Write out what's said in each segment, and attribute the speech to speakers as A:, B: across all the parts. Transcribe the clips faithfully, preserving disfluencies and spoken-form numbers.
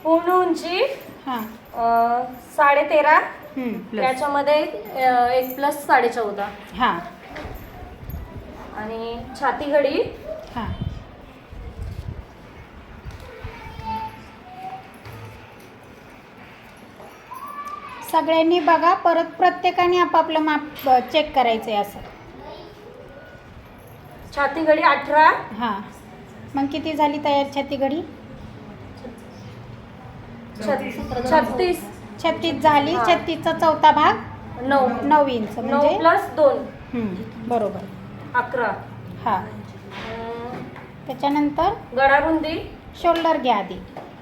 A: पूर्ण उंची
B: हां
A: साडे तेरा,
B: प्लस
A: त्याच्यामध्ये अ, एक प्लस साडे चौदा.
B: हां
A: आणि छाती घडी
B: हां सगळ्यांनी बघा, परत प्रत्येकाने आपापलं माप चेक करायचं आहे असं.
A: छाती घडी अठरा.
B: हां मग किती झाली तयार छाती घडी?
A: छत्तीस.
B: छत्तीस झाली.
A: हां.
B: छत्तीसचा चौथा भाग
A: नऊ.
B: नऊ इंच
A: नऊ
B: म्हणजे
A: प्लस दोन
B: हम्म, बरोबर.
A: अकरा.
B: हां
A: अं,
B: त्याच्यानंतर
A: गळारुंदी
B: शोल्डर घ्या आधी.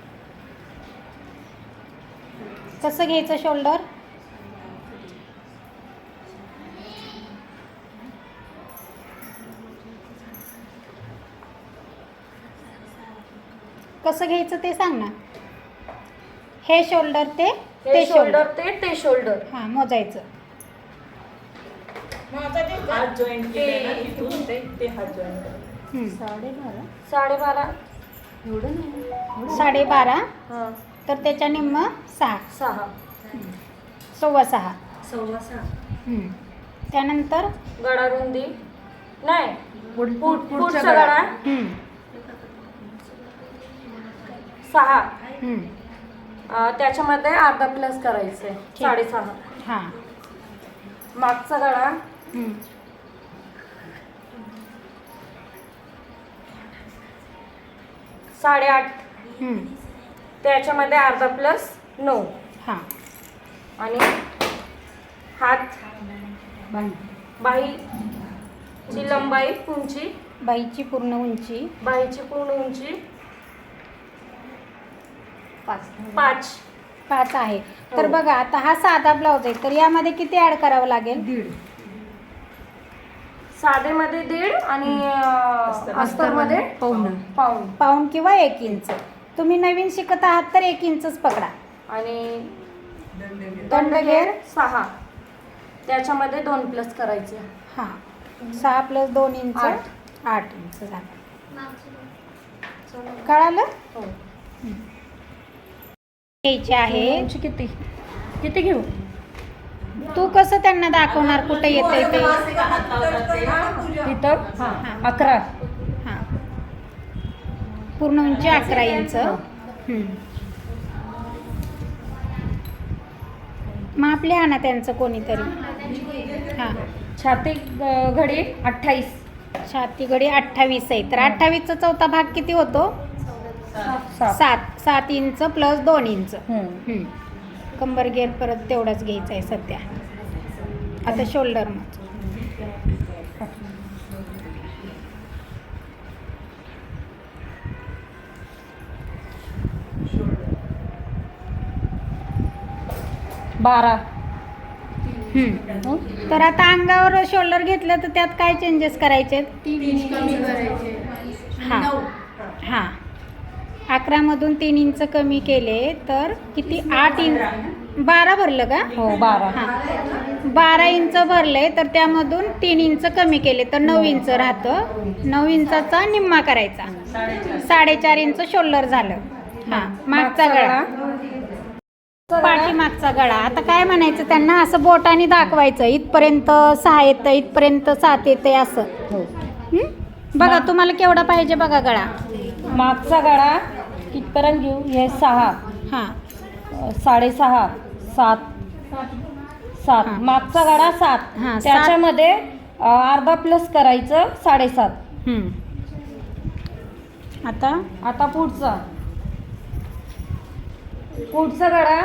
B: कसं घ्यायचं शोल्डर? कसं घ्यायचं ते सांग ना. हे शोल्डर ते
A: हे
B: ते शोल्डर.
A: शोल्डर ते ते शोल्डर.
B: हां मोजायचं.
C: हात जॉईंट केले ना इथून ते ते हात जॉईंट करा.
B: हम्म.
A: साडेबारा साडेबारा एवढं नाही.
B: साडेबारा
A: हां
B: तर त्याच्या निम्म सहा,
A: सहा.
B: सव्वा सहा.
A: सव्वा सहा.
B: हम्म. त्यानंतर
A: गळारुंदी नाही
C: पुढ-
A: पुढ-
C: पुढचा
A: पुढचा
C: गळा.
A: गळा
B: हम्म,
A: सहा.
B: हम्म.
A: अं, त्याच्यामध्ये अर्धा प्लस करायचंय साडेसहा.
B: हां
A: मागचा गळा
B: हम्म.
A: साडेआठ.
B: हम्म.
A: त्याच्यामध्ये अर्धा प्लस नऊ.
B: हां
A: आणि हात बाही ची लंबाई उंची
B: बाईची पूर्ण उंची
A: बाहीची पूर्ण उंची पाच.
B: पाच आहे. तर
A: हो.
B: बघा आता हा साधा ब्लाऊज आहे, तर यामध्ये किती ॲड करावं लागेल?
C: दीड.
A: साधेमध्ये दीड आणि अं, अस्तरमध्ये
C: पाऊण.
A: पाऊण.
B: पाऊण किंवा एक इंच. तुम्ही नवीन शिकत आहात तर एक इंचच पकडा.
A: आणि
C: दंडगेर.
A: दंडघेर सहा. त्याच्यामध्ये दोन प्लस करायचे.
B: हां सहा प्लस दोन इंच
A: आठ.
B: आठ इंच झालं. कळालं?
A: हो.
B: घ्यायचे आहे.
A: उंची किती किती घेऊ?
B: तू कसं त्यांना दाखवणार कुठं येतंय ते?
A: इथं
B: हां
A: अकरा.
B: हां पूर्ण उंची अकरा इंच. हम्म. मापले आणा त्यांचं कोणीतरी. हां
A: छाती अं, घडी अठ्ठावीस.
B: छाती घडी अठ्ठावीस आहे, तर अठ्ठावीसचा चौथा भाग किती होतो?
A: सात.
B: सात. सात इंच प्लस दोन इंच.
A: हम्म.
B: हम्म. कंबर घेर परत तेवढाच घ्यायचा आहे सध्या. आता शोल्डर मग
A: बारा.
B: हम्म. तर आता अंगावर शोल्डर घेतलं तर त्यात काय चेंजेस करायचे? हां हां अकरामधून तीन इंच कमी केले तर किती? आठ इंच. बारा भरलं का?
A: हो बारा.
B: हां बारा इंच भरले तर त्यामधून तीन इंच कमी केले तर नऊ इंच राहतं. नऊ इंचाचा निम्मा करायचा. साडेचार इंच शोल्डर झालं. हां मागचा गळा पाठीमागचा गळा. आता काय म्हणायचं त्यांना? असं बोटाने दाखवायचं. इथपर्यंत सहा येतं, इथपर्यंत सात येते असं.
A: हो.
B: हं? बघा तुम्हाला केवढा पाहिजे बघा गळा.
A: मागचा गळा कितपर्यंत घेऊ? हे सहा.
B: हां
A: अं, साडेसहा. सात. सात.
B: हां.
A: मागचा गळा सात.
B: हां, सात.
A: त्याच्यामध्ये अं, अर्धा प्लस करायचं साडेसात.
B: हं. आता
A: आता पुढचा पुढचा गळा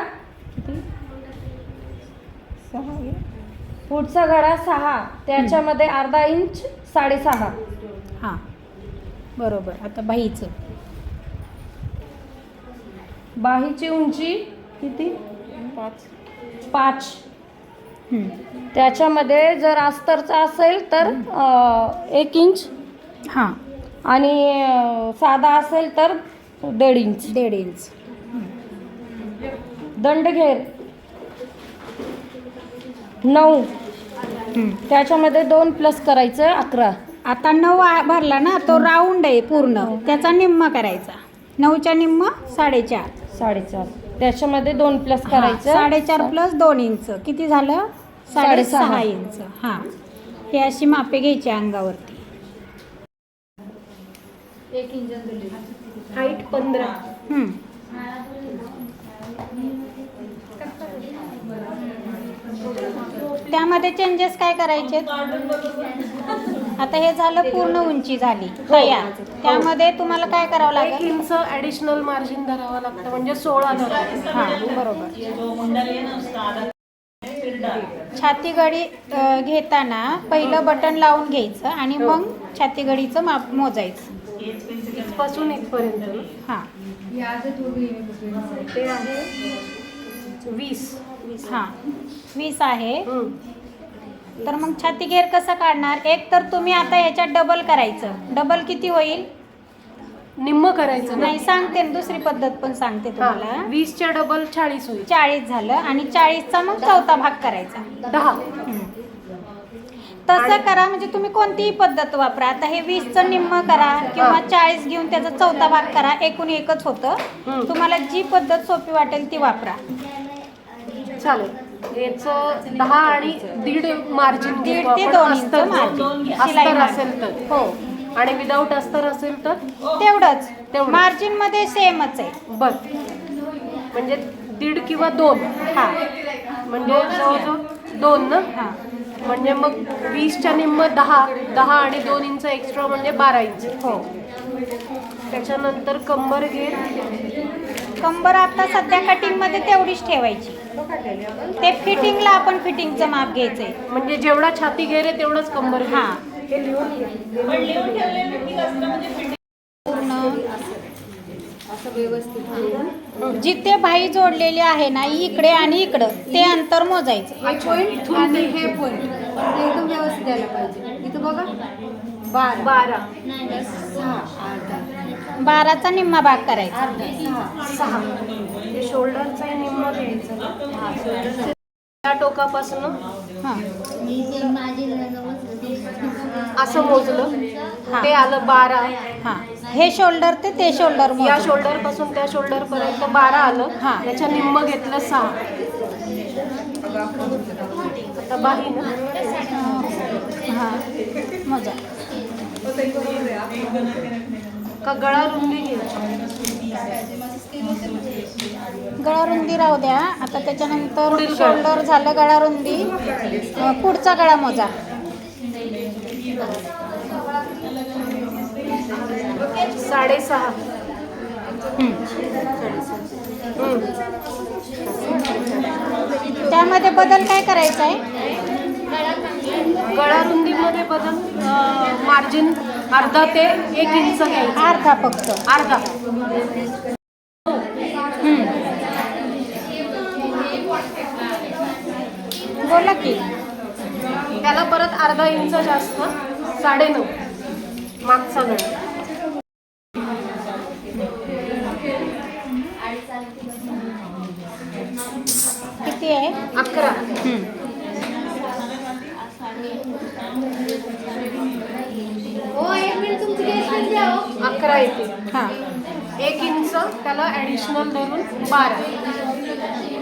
A: पुढचा गळा सहा. त्याच्यामध्ये अर्धा इंच साडेसहा.
B: हां बरोबर. आता बाहीचं
A: बाहीची उंची किती?
C: पाच.
A: पाच.
B: हं.
A: त्याच्यामध्ये जर अस्तरचा असेल तर अं, एक इंच
B: हां
A: आणि अं, साधा असेल तर दीड इंच.
B: दीड इंच.
A: दंडघेर नऊ.
B: हं.
A: त्याच्यामध्ये दोन प्लस करायचं अकरा.
B: आता नऊ आ- भरला ना, तो राऊंड आहे पूर्ण, त्याचा निम्मा करायचा. नऊच्या निम्म साडेचार.
A: साडेचार. त्याच्यामध्ये दोन प्लस
B: हा,
A: करायचं.
B: साडेचार प्लस दोन इंच किती झालं? साडेसहा
A: साडेसहा.
B: इंच. हा, हे अशी मापे घ्यायची अंगावरती.
C: हाईट पंधरा.
B: हम्म. त्यामध्ये चेंजेस काय करायचे? आता हे झालं पूर्ण उंची झाली तयार. त्यामध्ये तुम्हाला काय करावं
C: एक
B: लागेल?
C: इंच ऍडिशनल मार्जिन धरावं लागतं म्हणजे सोळा धरावं.
B: हा, बरोबर. छाती घडी अ, घेताना पहिलं बटन लावून घ्यायचं आणि मग छाती घडीचं माप मोजायचं.
C: इथपासून इथपर्यंत
B: हा
C: ते आहे वीस.
B: हा वीस आहे.
C: हम्म.
B: तर मग छाती घेर कसं काढणार? एक तर तुम्ही आता ह्याच्यात डबल करायचं. डबल किती होईल?
C: निम्म करायचं ना.
B: नाही, सांगते ना, दुसरी पद्धत पण सांगते तुम्हाला.
C: हा, वीसच्या डबल चाळीस होईल.
B: चाळीस झालं आणि चाळीसचा मग चौथा भाग करायचा.
C: दहा.
B: तसं करा, म्हणजे तुम्ही कोणतीही पद्धत वापरा. आता हे वीसचं निम्म करा किंवा चाळीस घेऊन त्याचा चौथा भाग करा, एकूण एकच होतं.
C: हम्म.
B: तुम्हाला जी पद्धत सोपी वाटेल ती वापरा.
C: चालेल. याचं दहा आणि दीड मार्जिन
B: दीड ते दोन इंच margin. शिलाई
C: अस्तर
B: margin.
C: असेल तर.
B: हो,
C: आणि विदाऊट अस्तर असेल तर
B: तेवढंच.
C: तेवढं.
B: मार्जिन मध्ये सेमच आहे.
C: बर, म्हणजे दीड किंवा दोन.
B: हा
C: म्हणजे जवळजवळ दोन ना.
B: हा
C: म्हणजे मग वीसच्या निम्म दहा. दहा आणि दोन इंच एक्स्ट्रा म्हणजे बारा इंच.
B: हो.
C: त्याच्यानंतर कंबर घेर.
B: कंबर आता सध्या कटिंग मध्ये तेवढीच ठेवायची. ते फिटिंगला आपण फिटिंगचं माप घ्यायचंय.
C: म्हणजे जेवढा छाती घेर आहे तेवढाच कंबर घेर.
B: हा,
C: हे लिहून घे.
B: जिथे भाई जोडलेली आहे ना, इकडे आणि इकडं, ते अंतर मोजायचं.
D: हे पॉईंट आणि हे पॉईंट एकदम व्यवस्थित द्यायला पाहिजे. इथं बघा बारा
C: बारा.
D: सहा अर्धा
B: बाराचा निम्मा भाग करायचा.
D: अर्धा सहा
C: सहा. हे शोल्डरचा निम्म घ्यायचं ना. त्या टोकापासून
B: हा
C: असं मोजलं.
B: हा.
C: ते आलं बारा.
B: हा, हे शोल्डर ते ते शोल्डर
C: या
B: मोज.
C: शोल्डर पासून त्या शोल्डर पर्यंत बारा आलं.
B: हा.
C: त्याच्या निम्म घेतलं सहा. आता बाही ना.
B: हा, मोजा.
C: का गळा रुंदी घ्यायची.
B: गळा रुंदी राहू द्या. आता त्याच्यानंतर
C: पुढील गळा.
B: शोल्डर झालं, गळा रुंदी. अ, पुढचा गळा मोजा.
C: साडेसहा.
B: हम्म.
C: हम्म.
B: त्यामध्ये बदल काय करायचा आहे?
C: गळा रुंदीमध्ये बदल मार्जिन अर्धा ते एक इंच घ्यायचं.
B: अर्धा फक्त.
C: अर्धा.
B: हम्म. बोला की.
C: त्याला परत अर्धा इंच जास्त. साडेनऊ मागचा गळा.
B: किती आहे?
C: अकरा.
B: हम्म.
C: अकरा येते.
B: हा,
C: एक इंच त्याला ऍडिशनल धरून बारा.